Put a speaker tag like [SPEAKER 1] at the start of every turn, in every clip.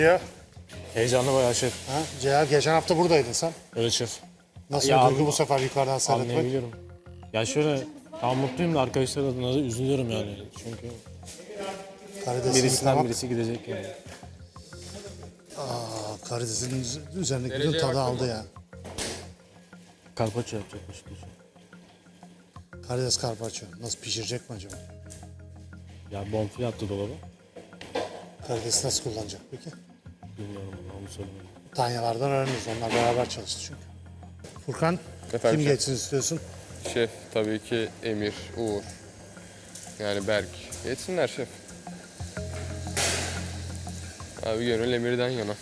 [SPEAKER 1] Ya.
[SPEAKER 2] Heyecanlı bayağı şef.
[SPEAKER 1] Ha, Ceyhan geçen hafta buradaydın sen.
[SPEAKER 2] Evet şef.
[SPEAKER 1] Nasıl
[SPEAKER 2] Ya
[SPEAKER 1] bir duygu bu sefer yukarıdan seyretmek?
[SPEAKER 2] Anlayabiliyorum. Ya şöyle tam mutluyum da arkadaşlar adına da üzülüyorum yani. Çünkü
[SPEAKER 1] Karidesini
[SPEAKER 2] birisinden
[SPEAKER 1] yıkamak,
[SPEAKER 2] birisi gidecek yani.
[SPEAKER 1] karidesin üzerindeki bütün tadı aldı ya.
[SPEAKER 2] Karpaço yapacak başka bir şey.
[SPEAKER 1] Karides karpaccio. Nasıl pişirecek mi acaba?
[SPEAKER 2] Ya bonfile attı dolaba.
[SPEAKER 1] Karidesi nasıl kullanacak peki?
[SPEAKER 2] Bilmiyorum onu söylemedim.
[SPEAKER 1] Tanyalardan öğreniriz. Onlar beraber çalıştı çünkü. Furkan,
[SPEAKER 3] Efendim
[SPEAKER 1] kim
[SPEAKER 3] şef?
[SPEAKER 1] geçsin istiyorsun?
[SPEAKER 3] Şef tabii ki Emir, Uğur. Yani Berk. Geçsinler şef. Abi gönül Emir'den yana.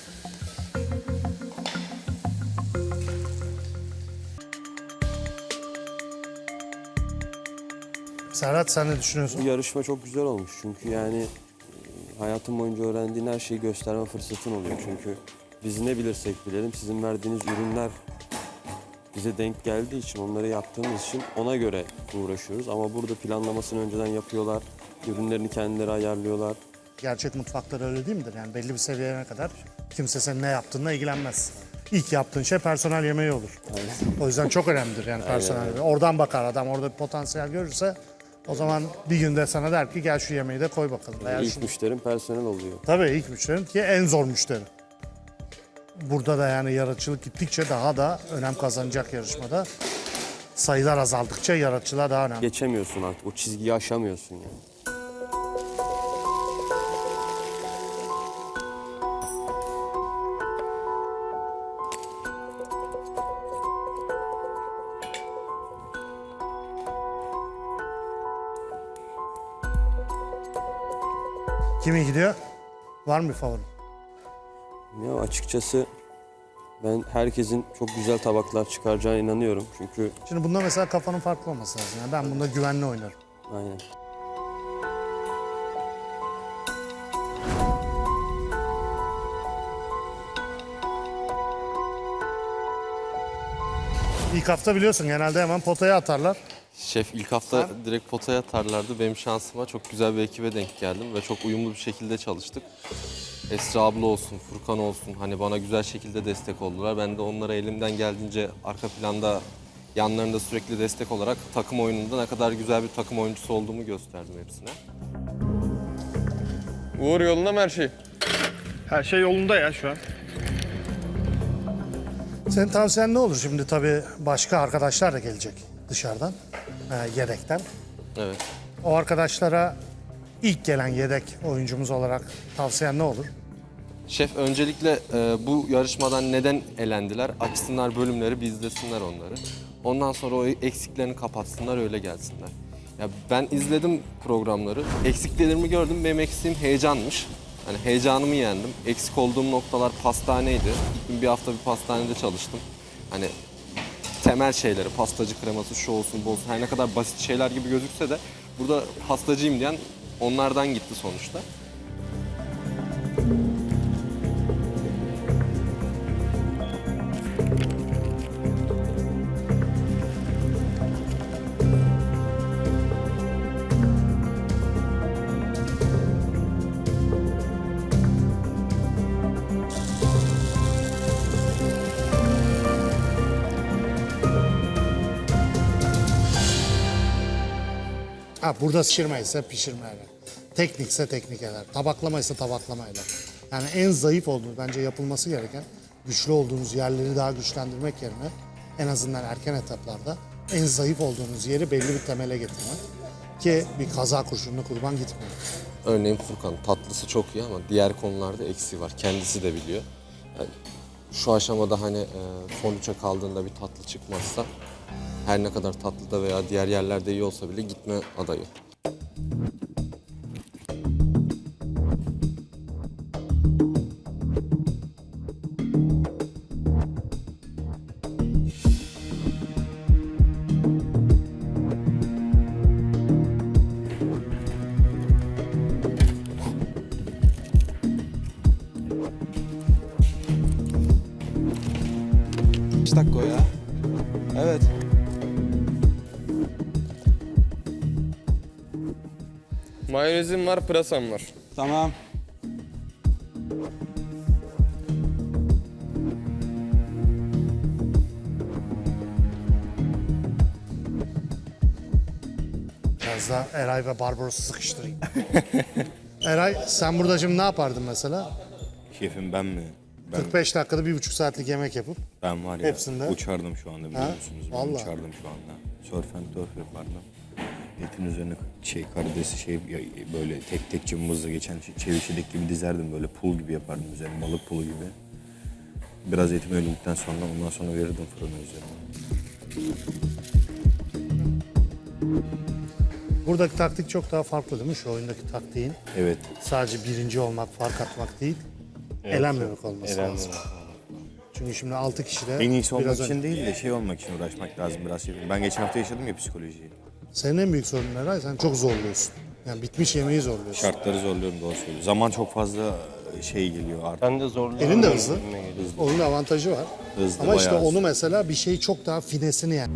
[SPEAKER 1] Serhat sen ne
[SPEAKER 4] Bu
[SPEAKER 1] düşünüyorsun?
[SPEAKER 4] yarışma çok güzel olmuş çünkü yani hayatım boyunca öğrendiğin her şeyi gösterme fırsatın oluyor. Çünkü biz ne bilirsek bilelim sizin verdiğiniz ürünler bize denk geldiği için onları yaptığımız için ona göre uğraşıyoruz. Ama burada planlamasını önceden yapıyorlar, ürünlerini kendileri ayarlıyorlar.
[SPEAKER 1] Gerçek mutfaklar öyle değil midir? Yani belli bir seviyene kadar kimse senin ne yaptığınla ilgilenmez. İlk yaptığın şey personel yemeği olur. O yüzden çok önemlidir yani personel yemeği. Oradan bakar adam, orada bir potansiyel görürse o zaman bir günde sana der ki gel şu yemeği de koy bakalım. Veya
[SPEAKER 4] İlk
[SPEAKER 1] şunu-
[SPEAKER 4] müşterin personel oluyor.
[SPEAKER 1] Tabii ilk müşterin ki en zor müşteri. Burada da yani yaratıcılık gittikçe daha da önem kazanacak yarışmada. Sayılar azaldıkça yaratıcılığa daha önemli.
[SPEAKER 4] Geçemiyorsun artık, o çizgiyi aşamıyorsun yani.
[SPEAKER 1] Kimi gidiyor? Var mı bir favori?
[SPEAKER 4] Ya açıkçası ben herkesin çok güzel tabaklar çıkaracağına inanıyorum. Çünkü
[SPEAKER 1] Şimdi bunda mesela kafanın farklı olması lazım. Yani ben bunda güvenli oynarım.
[SPEAKER 4] aynen.
[SPEAKER 1] İlk hafta biliyorsun genelde hemen potaya atarlar.
[SPEAKER 5] Şef ilk hafta direkt potaya atarlardı. Benim şansıma çok güzel bir ekibe denk geldim ve çok uyumlu bir şekilde çalıştık. Esra abla olsun, Furkan olsun hani bana güzel şekilde destek oldular. Ben de onlara elimden geldiğince arka planda yanlarında sürekli destek olarak takım oyununda ne kadar güzel bir takım oyuncusu olduğumu gösterdim hepsine.
[SPEAKER 3] Uğur yolunda mı her şey?
[SPEAKER 6] Her şey yolunda ya şu an.
[SPEAKER 1] Senin tavsiyen ne olur? Şimdi tabii başka arkadaşlar da gelecek dışarıdan, yedekten.
[SPEAKER 5] Evet.
[SPEAKER 1] O arkadaşlara ilk gelen yedek oyuncumuz olarak tavsiyen ne olur?
[SPEAKER 5] Şef öncelikle bu yarışmadan neden elendiler? Açsınlar bölümleri, bir izlesinler onları. Ondan sonra o eksiklerini kapatsınlar, öyle gelsinler. Ya ben izledim programları. Eksiklerimi gördüm. Benim eksiğim heyecanmış. Hani heyecanımı yendim. Eksik olduğum noktalar pastaneydi. Gittim bir hafta bir pastanede çalıştım. Hani temel şeyleri, pastacı kreması, şu olsun, bu olsun. Her ne kadar basit şeyler gibi gözükse de burada pastacıyım diyen onlardan gitti sonuçta.
[SPEAKER 1] Burada pişirme ise pişirmeyle. Teknikse teknik eder. Tabaklama ise tabaklamayla. Yani en zayıf olduğunuz bence yapılması gereken güçlü olduğunuz yerleri daha güçlendirmek yerine en azından erken etaplarda en zayıf olduğunuz yeri belli bir temele getirmek. Ki bir kaza kurşununa kurban gitmiyor.
[SPEAKER 5] Örneğin Furkan tatlısı çok iyi ama diğer konularda eksiği var. Kendisi de biliyor. Yani şu aşamada hani son üçe kaldığında bir tatlı çıkmazsa her ne kadar tatlıda veya diğer yerlerde iyi olsa bile gitme adayı.
[SPEAKER 7] Kaç dakika o ya? Evet.
[SPEAKER 3] Mayonezim var, pırasam var.
[SPEAKER 7] Tamam.
[SPEAKER 1] Biraz da Eray ve Barbaros'u sıkıştırayım. Eray sen burada şimdi ne yapardın mesela?
[SPEAKER 8] Şefim ben mi? Ben,
[SPEAKER 1] 45 dakikada 1,5 saatlik yemek yapıp
[SPEAKER 8] ben var ya
[SPEAKER 1] hepsinde.
[SPEAKER 8] uçardım şu anda biliyor
[SPEAKER 1] Ha?
[SPEAKER 8] musunuz? Ben
[SPEAKER 1] Vallahi.
[SPEAKER 8] uçardım şu anda. Surf and turf yapardım. Etin üzerine karidesi böyle tek tek cımbızla geçen çevirçilik gibi dizerdim böyle pul gibi yapardım üzerine balık pulu gibi. Biraz etim öldükten sonra ondan sonra verirdim fırına üzerine.
[SPEAKER 1] Buradaki taktik çok daha farklı değil mi? Şu oyundaki taktiğin
[SPEAKER 8] Evet.
[SPEAKER 1] sadece birinci olmak, fark atmak değil, elenmemek olması lazım. Çünkü şimdi 6 kişi de
[SPEAKER 8] En iyisi olmak
[SPEAKER 1] biraz
[SPEAKER 8] için
[SPEAKER 1] önce.
[SPEAKER 8] değil de şey olmak için uğraşmak lazım biraz şefim. Ben geçen hafta yaşadım ya psikolojiyi.
[SPEAKER 1] Senin en büyük sorunun Eray, sen çok zorluyorsun. Yani bitmiş yemeği zorluyorsun.
[SPEAKER 8] Şartları zorluyorum doğru söylüyorum. Zaman çok fazla şey geliyor artık.
[SPEAKER 4] Ben de zorluyorum.
[SPEAKER 1] Elin de hızlı. Onun avantajı var.
[SPEAKER 8] Hızlı,
[SPEAKER 1] Ama işte
[SPEAKER 8] bayağı
[SPEAKER 1] onu mesela bir şey çok daha finesini yani.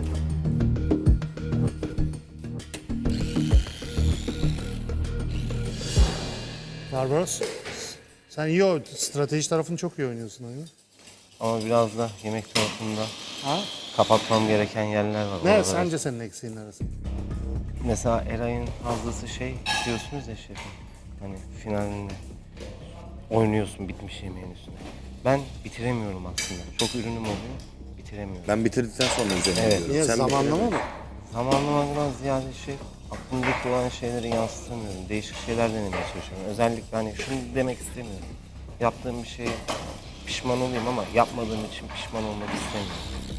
[SPEAKER 1] Barbaros, sen iyi strateji tarafını çok iyi oynuyorsun oyunu.
[SPEAKER 9] Ama biraz da yemek tarafında
[SPEAKER 1] Ha?
[SPEAKER 9] kapatmam gereken yerler var.
[SPEAKER 1] Ne
[SPEAKER 9] Oralara-
[SPEAKER 1] sence senin eksiğin neresi?
[SPEAKER 9] Mesela Eray'ın fazlası şey diyorsunuz ya şefim. Hani finalinde oynuyorsun bitmiş yemeğin üstüne. Ben bitiremiyorum aslında. Çok ürünüm oluyor, bitiremiyorum.
[SPEAKER 8] Ben bitirdikten sonra üzerine
[SPEAKER 9] Evet.
[SPEAKER 8] gidiyorum.
[SPEAKER 1] Niye
[SPEAKER 8] Sen
[SPEAKER 1] zamanlama mı?
[SPEAKER 9] Zamanlamadan ziyade şey, aklımdaki olan şeyleri yansıtamıyorum. Değişik şeyler denemeye çalışıyorum. Özellikle hani şunu demek istemiyorum. Yaptığım bir şeye pişman olayım ama yapmadığım için pişman olmak istemiyorum.